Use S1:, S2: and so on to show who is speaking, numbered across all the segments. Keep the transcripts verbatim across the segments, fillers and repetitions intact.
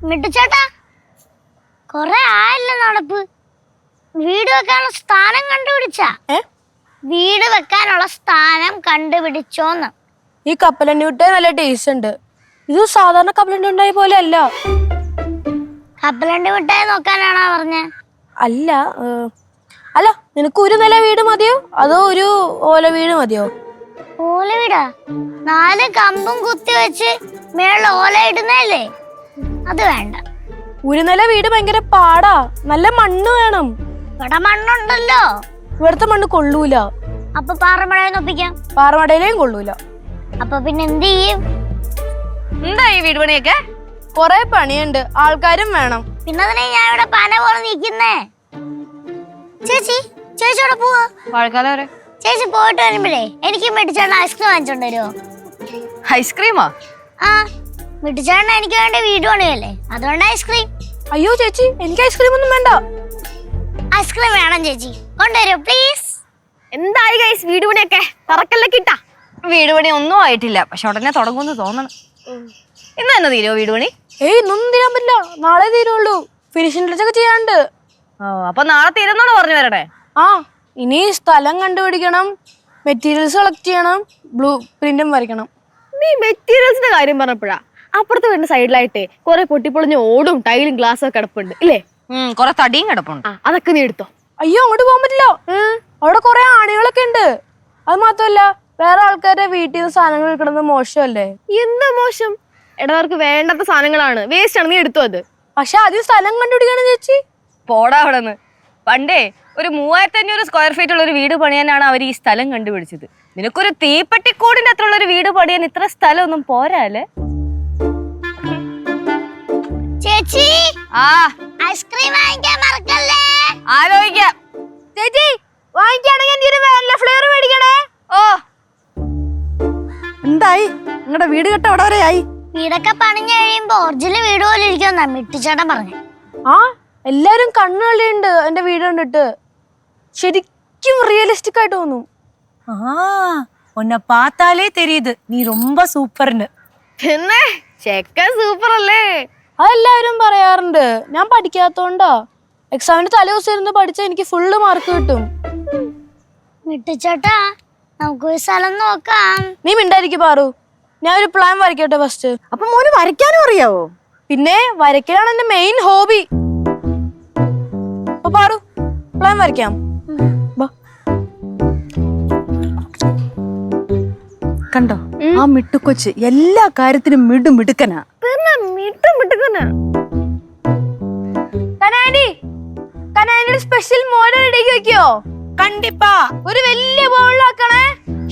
S1: മിട്ടുചേട്ടാ, കൊറേ ആയല്ലോ നടപ്പ്. വീട് വെക്കാനുള്ള സ്ഥാനം കണ്ടുപിടിച്ചാ? വീട് വെക്കാനുള്ള സ്ഥാനം കണ്ടുപിടിച്ചോന്ന്.
S2: ഈ കപ്പലണ്ടി മിഠായി നല്ല ടേസ്റ്റ് ഉണ്ട്. ഇത് സാധാരണ കപ്പലണ്ടി മിഠായി പോലെ അല്ല.
S1: കപ്പലണ്ടി മിഠായി നോക്കാനാണോ പറഞ്ഞ?
S2: അല്ല അല്ല നിനക്ക് ഒരു നില വീട് മതിയോ അതോ ഒരു ഓല വീട് മതിയോ?
S1: ഓല വീടാ? നാല് കമ്പും കുത്തി വെച്ച് മേളിൽ ഓല ഇടുന്നല്ലേ, അത് വേണ്ട.
S2: ഒരു നില വീട് ഭയങ്കര പാടാ, നല്ല മണ്ണ് വേണം.
S1: ഇവിടെ മണ്ണുണ്ടല്ലോ.
S2: ഇവിടുത്തെ മണ്ണ് കൊള്ളൂല.
S1: അപ്പൊ പാറമടയിൽ ഒപ്പിക്കാം.
S2: പാറമടയിലേയും കൊള്ളൂല.
S1: അപ്പൊ പിന്നെ എന്ത് ചെയ്യും?
S3: എന്താ ഈ വീട് പണിയൊക്കെ?
S2: കൊറേ പണിയുണ്ട്, ആൾക്കാരും വേണം.
S1: പിന്നെ അതിനെ ഞാൻ ഇവിടെ പന പോലെ നിൽക്കുന്നേ. ചേച്ചി ചേച്ചി ഇവിടെ പോവാ?
S3: മഴക്കാലം വരെ.
S1: ചേച്ചി പോയിട്ട് വരുമ്പോഴേ എനിക്ക് മിട്ടിച്ചേട്ടൻ ഐസ്ക്രീം വാങ്ങിച്ചോണ്ട് വരുമോ?
S3: ഐസ്ക്രീമാ?
S1: ആ, മിട്ടിച്ചേട്ടൻ എനിക്ക് വേണ്ടി വീട് പണിയല്ലേ, അതുകൊണ്ട് ഐസ്ക്രീം.
S2: അയ്യോ ചേച്ചി, എനിക്ക് ഐസ്ക്രീം ഒന്നും വേണ്ട.
S1: ഐസ്ക്രീം വേണം ചേച്ചി, കൊണ്ടുവരൂ പ്ലീസ്.
S3: എന്തായി ഗൈസ് വീട് പണിയൊക്കെ? തറക്കല്ലേ കിട്ടാ? വീട് പണി ഒന്നും ആയിട്ടില്ല, പക്ഷെ ഉടനെ തുടങ്ങുമെന്ന് തോന്നണം. ഇന്ന് തന്നെ തീരുമോ വീട് പണി?
S2: ഏയ് ഇന്നൊന്നും തീരാൻ പറ്റില്ല, നാളെ തീരുള്ളൂ. ഫിനിഷിംഗ് ടച്ചൊക്കെ ചെയ്യാണ്ട്.
S3: ഓ, അപ്പൊ നാളെ തീരുന്നാണോ പറഞ്ഞു വരണേ?
S2: ആ, ഇനി സ്ഥലം കണ്ടുപിടിക്കണം, മെറ്റീരിയൽസ് കളക്ട് ചെയ്യണം, ബ്ലൂ പ്രിന്റും വരയ്ക്കണം.
S3: നീ മെറ്റീരിയൽസിന്റെ കാര്യം പറഞ്ഞപ്പോഴാ അപ്പുറത്ത് വരുന്ന സൈഡിലായിട്ടേ കുറെ പൊട്ടിപ്പൊളിഞ്ഞ ഓടും ടൈലും ഗ്ലാസും ഒക്കെ കിടപ്പുണ്ട് ഇല്ലേ? കുറെ തടിയും കിടപ്പുണ്ട്. അതൊക്കെ നീ എടുത്തോ.
S2: അയ്യോ അങ്ങോട്ട് പോകാൻ പറ്റില്ല, അവിടെ കുറെ ആണികളൊക്കെ ഉണ്ട്. അത് മാത്രമല്ല വേറെ ആൾക്കാരുടെ വീട്ടിൽ നിന്ന് സാധനങ്ങൾ എടുക്കുന്നത് മോശമല്ലേ?
S3: എന്താ മോശം? ഇടവർക്ക് വേണ്ടാത്ത സാധനങ്ങളാണ്, വേസ്റ്റ് ആണ്, നീ എടുത്തോ അത്.
S2: പക്ഷെ ആദ്യം സ്ഥലം കണ്ടുപിടിക്കണം ചേച്ചി.
S3: പോടാ അവിടെ നിന്ന്. പണ്ടേ ഒരു മൂവായിരത്തി അഞ്ഞൂറ് സ്ക്വയർ ഫീറ്റ് ഉള്ള ഒരു വീട് പണിയാനാണ് അവർ ഈ സ്ഥലം കണ്ടുപിടിച്ചത്. നിനക്കൊരു തീപ്പെട്ടിക്കൂടിന്റെ അത്ര ഉള്ള ഒരു വീട് പണിയാൻ ഇത്ര സ്ഥലം ഒന്നും പോരാല്ലേ?
S1: ചേച്ചി,
S3: ആ
S1: ഐസ്ക്രീം വാങ്ങിക്കാൻ മറക്കല്ലേ.
S3: ആലോചിക്കാം.
S2: ചേച്ചി വാങ്ങിക്കുകയാണെങ്കിൽ ഫ്ലേവർ മേടിക്കണേ.
S3: ഓ,
S4: എന്തായി നിങ്ങളുടെ വീട് കെട്ട അവിടെ വരെയായി?
S1: വീടൊക്കെ പണിഞ്ഞു കഴിയുമ്പോ ഒറിജിനൽ വീട് പോലെ ഇരിക്കുമെന്നാ മിട്ടിച്ചേട്ടൻ പറഞ്ഞു.
S2: ആ, എല്ലാരും കണ്ണുകളിയുണ്ട് എന്റെ വീട് കണ്ടിട്ട്. ശരിക്കും റിയലിസ്റ്റിക് ആയിട്ട് തോന്നും.
S4: ആ, ഉന്നെ പാത്താലേ തെരിയുത് നീ ரொம்ப സൂപ്പർന്ന്.
S3: പിന്നെ ചെക്കൻ സൂപ്പർ അല്ലേ?
S2: അതെല്ലാവരും പറയാറുണ്ട്. ഞാൻ പഠിക്കാത്തോണ്ടാ. എക്സാമിന് തലേ ദിവസം ഇരുന്ന് പഠിച്ചാൽ എനിക്ക് ഫുള്ള് മാർക്ക് കിട്ടും.
S1: മിട്ടിച്ചേട്ടാ, നമുക്കൊരു സ്ഥലം നോക്കാം.
S2: നീ മിണ്ടായിരിക്കും പാറു, ഞാൻ ഒരു പ്ലാൻ വരയ്ക്കട്ടെ ഫസ്റ്റ്.
S4: അപ്പൊ മോന് വരയ്ക്കാനും അറിയാവോ?
S2: പിന്നെ വരയ്ക്കലാണ് എന്റെ മെയിൻ ഹോബി. അപ്പൊ പാറു പ്ലാൻ വരയ്ക്കാം.
S4: കണ്ടോ ആ മിട്ടുക്കൊച്ച് എല്ലാ കാര്യത്തിനും മിടു മിടുക്കനാ.
S2: സ്പെഷ്യൽ മോഡൽ റെഡിയാക്കി വെക്കോ?
S4: കണ്ടിപ്പാ
S2: ഒരു വലിയ ബൗളിലാക്കണേ.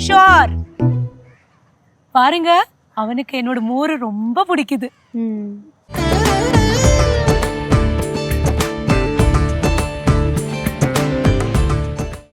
S4: ஷோர் பாருங்க அவனுக்கு என்னோட மோரு ரொம்ப பிடிக்குது.